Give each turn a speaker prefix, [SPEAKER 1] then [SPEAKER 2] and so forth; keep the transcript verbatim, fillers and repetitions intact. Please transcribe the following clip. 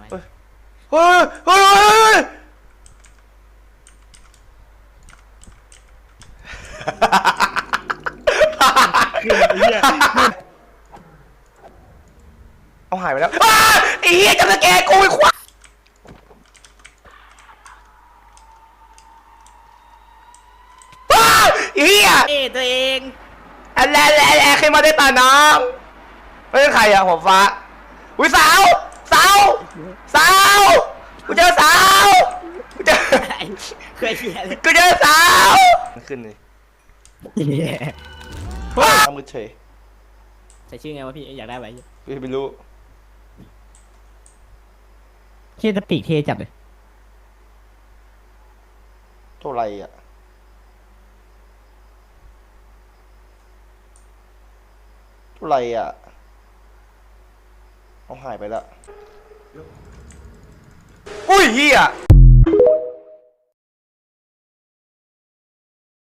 [SPEAKER 1] เฮ้ยเฮ้ยเฮ้ยเอาหายไปแล้วไอ้เหี้ยจะสแกนกูไอ้ควายเฮีย
[SPEAKER 2] เอ้ตัวเอง
[SPEAKER 1] อะไรอะไรอะไรใครมาได้ตาน้องไม่ใช่ใครอะหัวฟ้าอุ้ยสาวสาวสาวกูเจอสาวกูเจอ
[SPEAKER 2] เคยเชียร์เลย
[SPEAKER 1] กูเจอสาวขึ้นเลยว้ามือเฉย
[SPEAKER 2] ใส่ชื่อไงวะพี่อยากได้ไหม
[SPEAKER 1] พี่ไม่รู้
[SPEAKER 2] เชียร์ตะปีกเทจับเลย
[SPEAKER 1] เท่าไรอะเท่าไรอะเอาหายไปแล้วอุ้ยเฮีย